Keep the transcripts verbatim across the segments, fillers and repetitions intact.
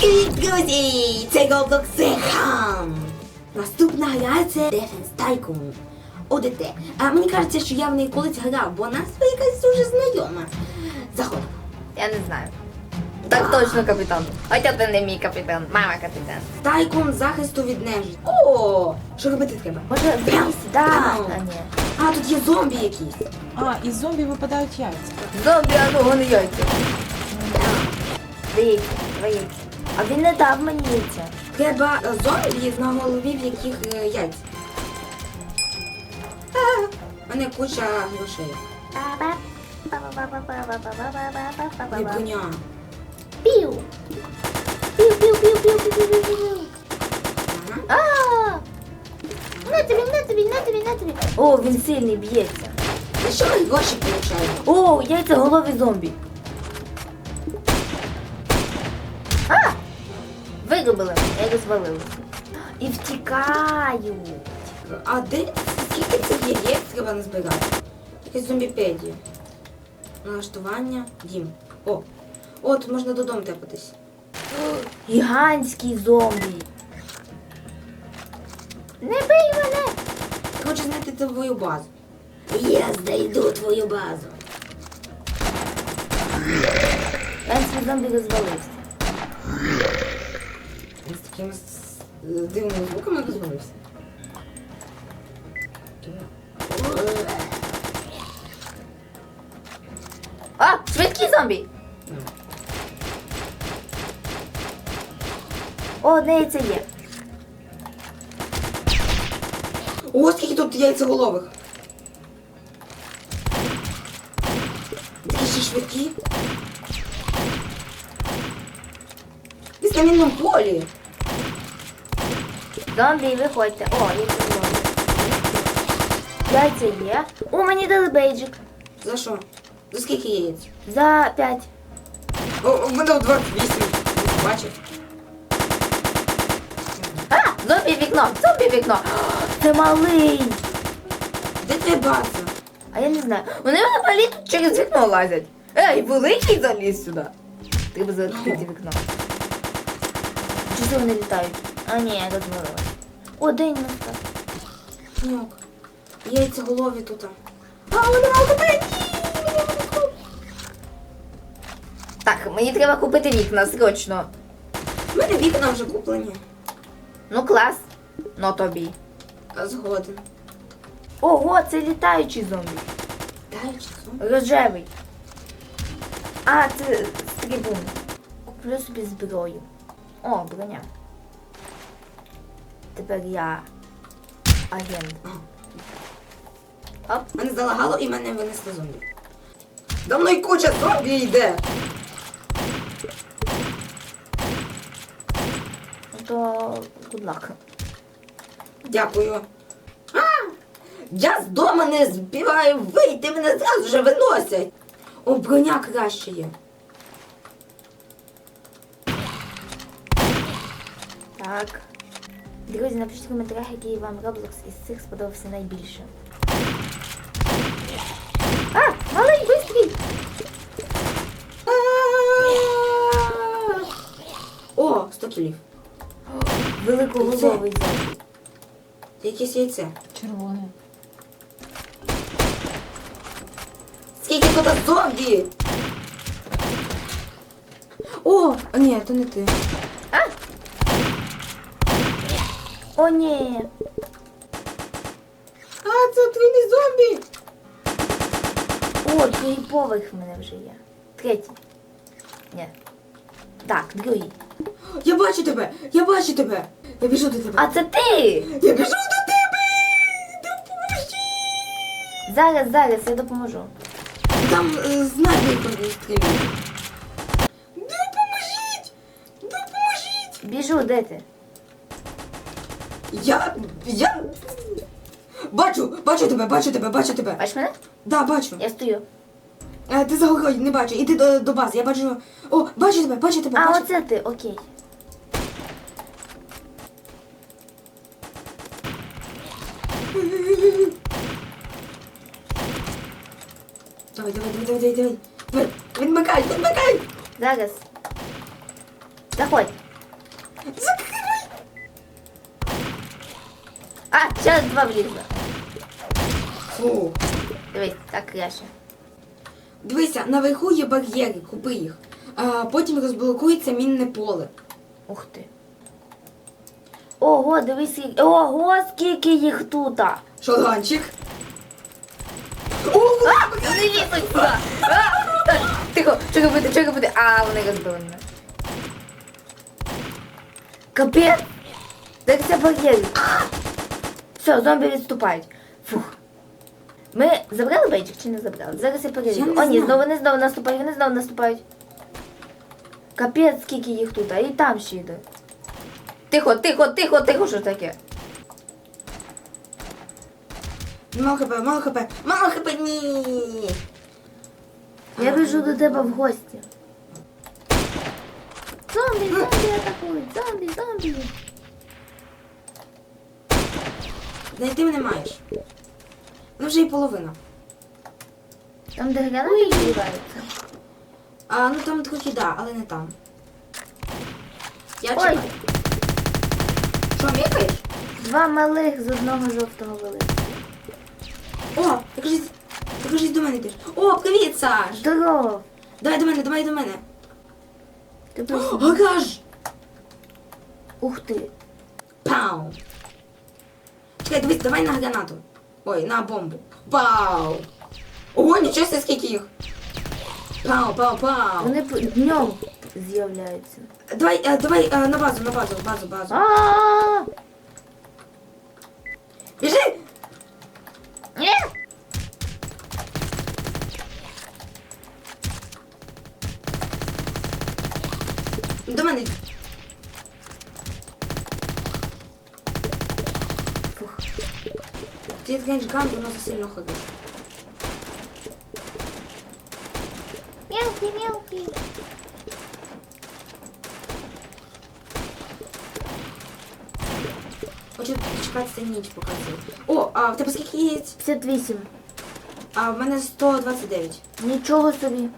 Привіт, друзі! Це Roblox Зехам! Наступна гра це Defense Tycoon. ОДТ. А мені кажеться, що я в неї колись грав, бо назва якась дуже знайома. Заходимо. Я не знаю. Так точно, капітан. Хоча ти не мій капітан, мама капітан. Тайкун захисту від нежиті. О! Що робити треба? Може, Прям. да. Прям. А, ні. А, тут є зомбі якісь. А, із зомбі випадають яйця. Зомбі, а ну гони яйця. Дивіться, твої. А він не дав мені яйця. Треба е, зомбі, на голові в яких е, яйця. А, в мене куча грошей. Не коня. Пів. Пів, пів, пів, пів, пів, пів, пів. Ага. А! На тобі, на тобі, на тобі, на тобі. О, він сильний б'ється. За що ми гроші получаємо? О, яйця голові зомбі. А! Вигубили, я розвалилася. І втікаю. А де? Скільки цих яєць треба назбирати? Якась зомбіпедія. Налаштування. Дім. О. О, тут можна додому тепатись. Гігантський зомбі. Не бий мене! Ти хочеш знайти твою базу. Я знайду твою базу. Гігантський зомбі розвалився. Він з такими с- дивними звуками розвалився. А, швидкий зомбі! О, одне яйце є. О, скільки тут яйцеголових. Такі ще швидкі. Десь на мінному полі. Зомбі, виходьте. О, яйце зомбі. Яйця є. О, мені дали бейджик. За що? За скільки яєць? За п'ять. О, у мене двадцять вісім. Бачив? А, зомбі вікно, зомбі вікно. Це малий. Де твоя база? А я не знаю. Вони мене малі тут через вікно лазять. Ей, великий заліз сюди. Треба закрити вікно. Чи це вони літають? А ні, я розмовила. О, день настав. Нюк. Яйцеголові тут. А, вони мали купити! Так, мені треба купити вікна, срочно. У мене вікна вже куплені. Ну клас. Ну тобі. А, згоден. Ого, це літаючий зомбі. Дай часу. Рожевий. А, це стрибун. Куплю собі зброю. О, броня. Тепер я агент. Оп. Мене залагало і мене винесли зомбі. За мною куча зомбі йде. Ну то good luck. Дякую. А! Я з дому не збиваю вийти, мене зразу вже виносять. О, броня краще є. Так. Друзі, напишіть в коментарях, який вам Roblox із цих сподобався найбільше. А! Малий, бистрій! О, сто кілів. Великоголовий зомбі. Це якесь яйце. Червоне. Скільки тут зомбі? О, а ні, то не ти. А! О, ні! А, це отруйний зомбі. О, другий поверх в мене вже є. Третій. Ні. Так, другий. Я бачу тебе, я бачу тебе. Я біжу до тебе. А це ти! Я біжу до тебе. Допоможи. Зараз, зараз, я допоможу. Там е, снайпер стріляє. Допоможіть! Допоможіть! Біжу, де ти? Я... я... Бачу, бачу тебе, бачу тебе, бачу тебе. Бачиш мене? Да, бачу. Я стою. Е, ти за горою не бачу, іди до, до бази, я бачу... О, бачу тебе, бачу тебе, А, бачу. оце ти, окей. Давай, давай, давай, давай, давай. Давай, відмикай, відмикай. Зараз. Заходь. Закривай! А, зараз два влізла. Фу. Дивись, так краще. Дивися, наверху є бар'єри, купи їх. А, потім розблокується мінне поле. Ух ти. Ого, дивись, скільки- ого, скільки їх тут. А, Шолганчик. вони лізуть сюди. А, так, тихо, що робити, що робити? А, вони розбили мене. Капець. Так це бар'єри. Все, зомбі відступають. Фух. Ми забрали бейджик чи не забрали? Зараз я Я перевірю. не О, ні, знаю. знову вони знову наступають, вони знову наступають. Капець, скільки їх тут, а і там ще йде. Тихо, тихо, тихо, тихо, що таке? Мало хп, мало хп, мало хп, ні. Я біжу до тебе в гості. Зомбі, зомбі атакують, зомбі, зомбі. Знайти мене маєш. Ну вже і половина. Там де гранати відбиваються. А, ну там трохи да, але не там. Я Ой. чекаю. Що, мікаєш? Два малих з одного жовтого великого. О, ти кажись, ти кажись до мене йдеш. О, привіт, Саш! Здорово. Давай до мене, давай до мене. Ти О, просто... гараж! Ух ти. Пау! Чекай, дивись, давай на гранату. Ой, на бомбу. Пау! Ого, нічого себе, скільки їх. Пау, пау, пау. Вони п- днем з'являються. Давай, е, давай е, на базу, на базу, базу, базу. А-а-а! Біжи! Ні! До мене. йди. Фух. Ти відкинеш ган, воно засильно ходить. Мелкий, мелкий. Хочу дочекатися ніч показує. О, а в тебе скільки яєць? п'ятдесят вісім. А в мене сто двадцять дев'ять. Нічого собі.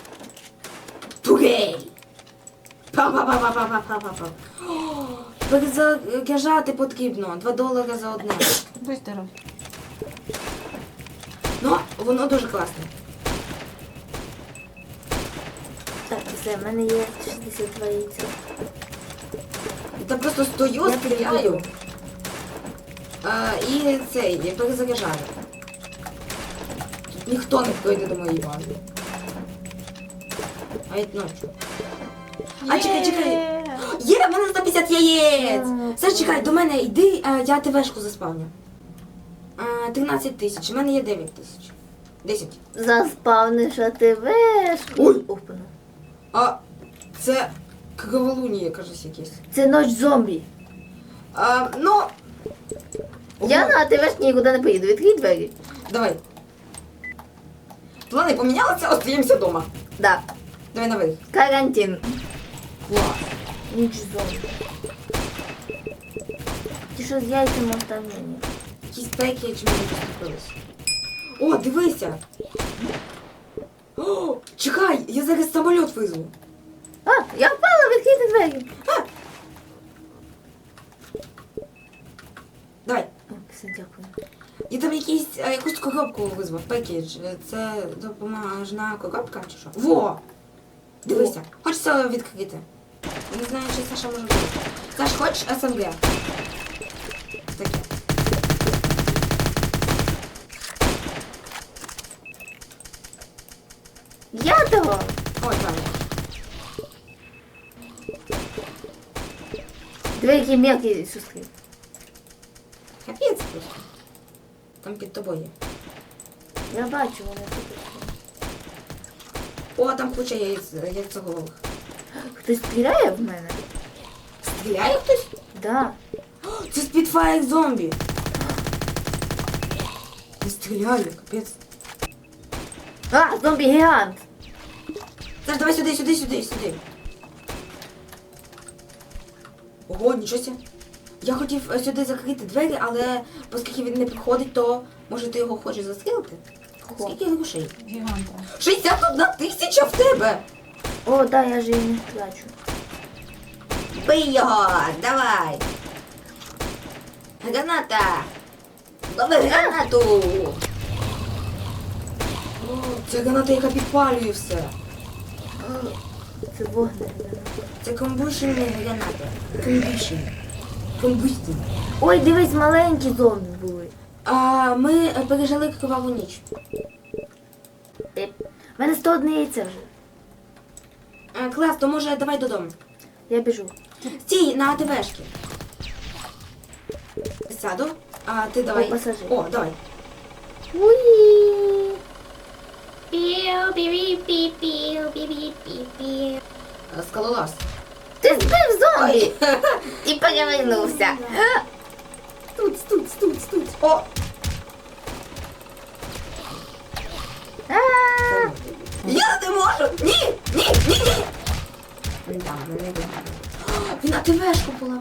Тугей! Па-па-па-па-па-па-па-па. Перезаряджати потрібно. Два долари за одне. Будь здоров. Ну, воно дуже класне. Так, все, в мене є шістдесят два яйця. Та просто стою, Я стріляю. підберу. А, і цей, я перезаряджаю. Тут ніхто не пройде до моєї бази. Навіть ночі. А, чекай, чекай. Є, в мене сто п'ятдесят яєць! М. Саш, чекай, до мене йди, а, я ТВшку заспавню. А, тринадцять тисяч, у мене є дев'ять тисяч. десять. Заспавниш, а ти веш. Ой. Опана. А, це кроволунія, кажуть, якесь. Це ноч зомбі. А, ну... Я на ти веш нікуди не поїду. Відкрий двері. Давай. Плани помінялися, остаємося вдома. Да. Давай наверх. Карантин. Клас. Ніч зомбі. Ти що з яйцями оставлені? Якісь пеки чи мені поступились. О, дивися. О, чекай, я зараз самоліт визву. А, я впала, відкрити двері. А! Давай. О, все, дякую. Я там якийсь, а, якусь коробку визвав, пекідж. Це допоможна коробка чи що? Во! Дивися, хочеться відкрити. Я не знаю, чи Саша може бути. Саш, хочеш СМГ? Таке. Я того. Ой, правильно. Двері які мелкі шустки. Капець просто. Там під тобою є. Я бачу, вони тут. О, там куча яєць, яйцеголових. Хтось стріляє в мене? Стріляє хтось? Да. О, це спідфайр зомбі. Не стріляє, капець. А, зомбі-гігант. Саш, давай сюди, сюди, сюди, сюди. Ого, нічого себе. Я хотів е, сюди закрити двері, але оскільки він не підходить, то може ти його хочеш застрілити? Хо. Скільки грошей? Гіганта. шістдесят одна тисяча в тебе! О, да, я же її не втрачу. Бий його! Давай! Граната! Лови гранату! О, це граната, яка підпалює все. Це вогне. Це комбушені гранати. Комбушені. Комбустін. Ой, дивись, маленькі зомбі були. А ми е, пережили криваву ніч. Е, В мене сто одне яйце вже. А, клас, то може давай додому. Я біжу. Стій на АТВшки. Сяду. А ти давай. О, пасажир. О, давай. Уї. Е, Скалолаз. Ти збив зомбі і перевернувся. Тут, тут, тут, тут. О! А, Я не можу! Ні! Ні! Ні! Ні! Да, мене вигадав. Він АТВшку поламав.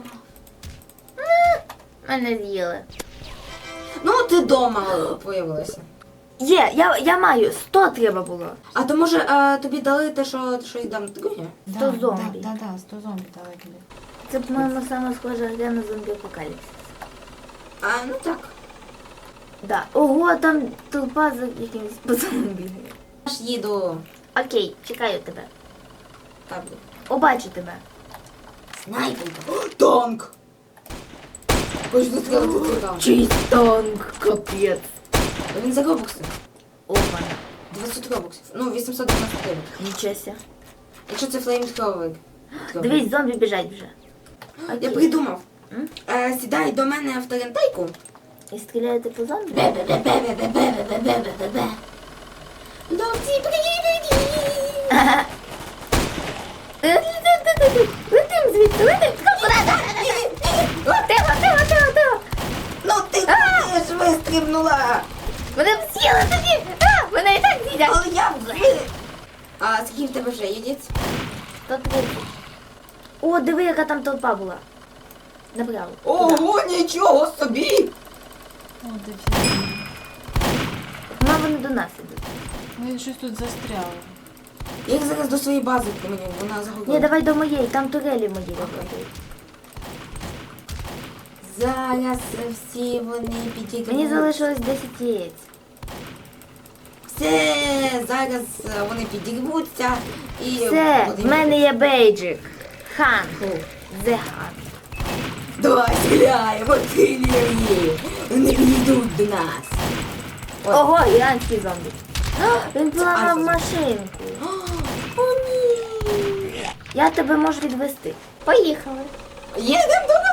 Мене з'їли. Ну, ти дома появилася. Є, я, я маю, сто треба було. А то може е, тобі дали те, що, що й дам друге? Сто зомбі. Да, да, да, сто зомбі дали тобі. Це, по-моєму, саме схожа гра на зомбі апокаліпсис. А, ну так. Да. Ого, там толпа за якимось пацаном бігає. Я ж їду. Окей, чекаю тебе. Так. Побачу тебе. Снайперка. О, танк! Хочу сказати, це танк. Чий танк, капець. Він за робокси. Опа. двадцять робоксів. Ну, вісімсот дев'яносто дев'ять. Нічося. Якщо це флеймтровик. Дивись, зомбі біжать вже. Я Окей. придумав. М? Е, сідай до мене в тарантайку. І стріляєте по зомбі? Бе-бе-бе-бе-бе-бе-бе-бе-бе. Ловці, привіт! Летим звідси, летим. Тихо, тихо, тихо, тихо. Ну ти теж вистрибнула! Мене б з'їли тоді. А, мене і так з'їдять. Але я вже... А скільки в тебе вже їдець? сто тридцять. О, диви, яка там толпа була. Направо. Ого, нічого собі! О, дофіга. Мама, вони до нас ідуть. Ну, я щось тут застряло. Я їх зараз до своєї бази поманю, вона загубила. Ні, давай до моєї, там турелі мої виходять. Зараз всі вони підійдуть. Мені залишилось десять яєць. Все, зараз вони підірвуться і... Все, вони- в мене є бейджик. Хан. The Хан. Давай стріляємо, стріляємо! Вони підійдуть до нас. Ой. Ого, іранський зомбі. А, він поламав Альфа. машинку. О, ні! Я тебе можу відвести. Поїхали. Їдемо до